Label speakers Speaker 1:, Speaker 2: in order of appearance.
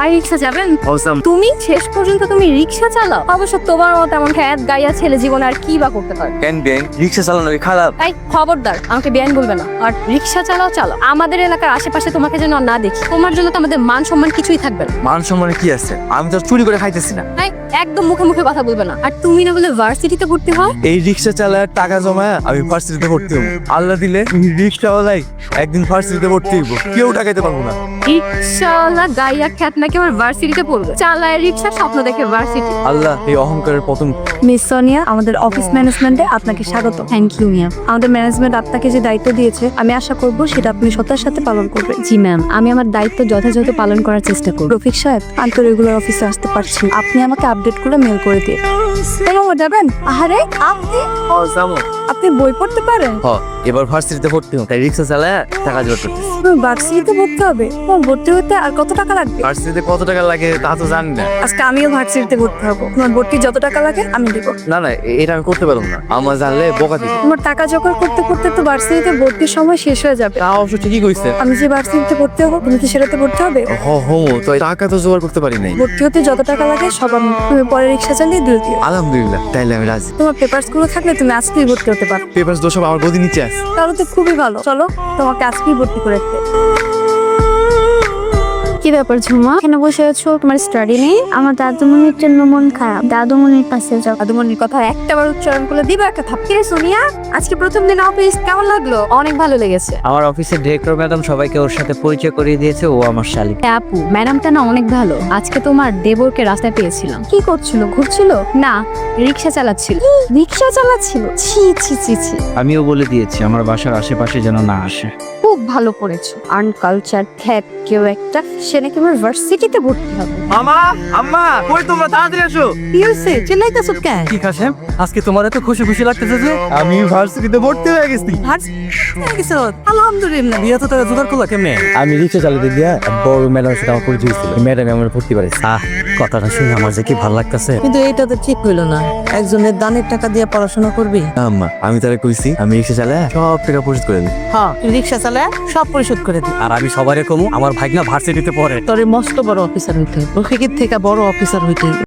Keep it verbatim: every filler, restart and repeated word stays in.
Speaker 1: ভাই রিক্সা যাবেন?
Speaker 2: অসাম।
Speaker 1: তুমি শেষ পর্যন্ত তুমি রিক্সা চালাও? অবশ্য তোমার মতো এমন খ্যাত গাইয়া ছেলে জীবনে আর কি বা করতে পারে?
Speaker 2: কেন বেন রিক্সা চালানো কি খারাপ?
Speaker 1: তাই খবরদার আমাকে বেআইন বলবে না। আর রিক্সা চালাও চালাও, আমাদের এলাকার আশেপাশে তোমাকে যেন না দেখি। তোমার জন্য তো আমাদের মান সম্মান কিছুই থাকবে না।
Speaker 2: মান সম্মানে কি আছে? আমি তো চুরি করে খাইতেছি না।
Speaker 1: তাই একদম মুখে মুখে কথা বলবে না। আর তুমি না বলে ভার্সিটিতে ভর্তি হয়?
Speaker 2: এই রিক্সা চালায় টাকা জমায় আমি ভার্সিটিতে ভর্তি হবো। আল্লাহ দিলে রিক্সাওয়ালাই একদিন ভার্সিটিতে ভর্তি হইব, কেউ টাকাইতে পারবো না।
Speaker 1: রিক্সাওয়ালা গাইয়া খ্যাত নাকি আমার ভার্সিটিতে পড়বে? চালায় রিক্সা, স্বপ্ন দেখে ভার্সিটি।
Speaker 2: আল্লাহ এই অহংকারের পতন।
Speaker 3: মিস সোনিয়া, আমাদের অফিস ম্যানেজমেন্টে আপনাকে স্বাগত।
Speaker 1: থ্যাংক ইউ মিয়া।
Speaker 3: আমাদের ম্যানেজমেন্ট আপনাকে যে দায়িত্ব দিয়েছে, আমি আশা করব সেটা আপনি সত্তার সাথে পালন করবেন।
Speaker 1: জি ম্যাম, আমি আমার দায়িত্ব যথাযথ পালন করার চেষ্টা করব।
Speaker 3: রফিক সাহেব, আমি তো রেগুলার অফিসে আসতে পারছি, আপনি আমাকে আপডেট করে মেল করে দিয়ে। কেমন যাবেন? আহারে আপনি আপনি বই পড়তে পারেন?
Speaker 2: হ, এবার ভার্সিটিতে ভর্তি হবো, তাই রিক্সা চালায় টাকা জোগাড় করতেছি।
Speaker 3: তুমি ভার্সিটিতে ভর্তি হবে? তোমার ভর্তি হতে আর কত টাকা লাগবে?
Speaker 2: ভার্সিটিতে কত টাকা লাগে তা তো জানি না।
Speaker 3: আজকে আমিও ভার্সিটিতে ভর্তি হবো, তোমার ভর্তি যত টাকা লাগে আমি দিব।
Speaker 2: না না, এ- এটা আমি করতে পারবো না, আমার জানলে বোকা দিবে।
Speaker 3: তোমার টাকা জোগাড় করতে করতে তো ভার্সিটিতে ভর্তির সময় শেষ হয়ে যাবে।
Speaker 2: তা অবশ্য ঠিকই কইছে।
Speaker 3: আমি যে ভার্সিটিতে ভর্তি হবো, তুমি কি সেটাতে ভর্তি হবে?
Speaker 2: হ হো, তো টাকা তো জোগাড় করতে পারি নাই।
Speaker 3: ভর্তি হতে যত টাকা লাগে সব আমি, তুমি পরে রিক্সা চালিয়ে দিয়ে দিও।
Speaker 2: আলহামদুলিল্লাহ, তাইলে আমি রাজি।
Speaker 3: তোমার পেপারস গুলো থাকলে তুমি আজকেই ভর্তি হতে পারো।
Speaker 2: পেপারস দোষ সব আমার গদি নিচে আছে।
Speaker 3: তাহলে তো খুবই ভালো, চলো তোমাকে আজকেই ভর্তি করে রাখতে।
Speaker 4: কি ব্যাপার ঝুমা, কেন বসে আছো? তোমার স্টাডি নেই? আমার দাদুমণির জন্য মন খারাপ, দাদুমণির কাছে যাও।
Speaker 1: দাদুমণির কথা একটা বার উচ্চারণ করলে দিবা একটা থাপকিরে। সোনিয়া, আজকে প্রথম দিন অফিস কেমন লাগলো? অনেক ভালো লেগেছে।
Speaker 5: আমার অফিসের ডিরেক্টর ম্যাডাম সবাইকে ওর সাথে পরিচয় করিয়ে দিয়েছে, ও আমার শালিক।
Speaker 1: হ্যাঁ আপু, ম্যাডামটা না অনেক ভালো। আজকে তোমার দেবরকে রাস্তায় পেয়েছিলাম।
Speaker 4: কি করছিল? ঘুরছিল?
Speaker 1: না, রিক্সা চালাচ্ছিল।
Speaker 4: রিক্সা চালাচ্ছিল? ছি ছি ছি ছি।
Speaker 5: আমিও বলে দিয়েছি আমার বাসার আশেপাশে যেন না আসে।
Speaker 1: খুব ভালো করেছো। আনকালচার খ্যাত কেউ একটা, সে নাকি আমার ভার্সিটিতে ভর্তি হবে।
Speaker 2: আমা আম্মা কই তোমরা, তাড়াতাড়ি আসো।
Speaker 3: কি হয়েছে? চিল্লাইতেছো কেন?
Speaker 5: কি কাশেম, আজকে তোমার এত খুশি খুশি লাগতেছে যে?
Speaker 2: আমি ভার্সিটিতে ভর্তি হয়ে গেছি।
Speaker 3: আলহামদুলিল্লাহ।
Speaker 5: বিয়ে তো তারা জোগাড় করলা কেমনে?
Speaker 2: আমি রিক্সা চালাতে গিয়া বড় ম্যাডামের সাথে আমার পরিচয় হয়েছিল, ম্যাডাম আমার ভর্তি পারেছে।
Speaker 5: আহ, কথাটা শুনে আমার যে কি ভালো লাগতেছে।
Speaker 6: কিন্তু এটা তো ঠিক হইলো না, একজনের দানের টাকা দিয়ে পড়াশোনা করবি।
Speaker 2: না আম্মা, আমি তারা কইছি আমি রিক্সা চালায় সব টাকা পরিশোধ করে দিই।
Speaker 6: হ্যাঁ, রিক্সা চালায় সব পরিশোধ করে দি।
Speaker 5: আর আমি সবারে কমু আমার ভাগনা ভার্সিটিতে পড়ে।
Speaker 6: তোরে মস্ত বড় অফিসার হইতে, রফিকের থেকে বড় অফিসার হইতে।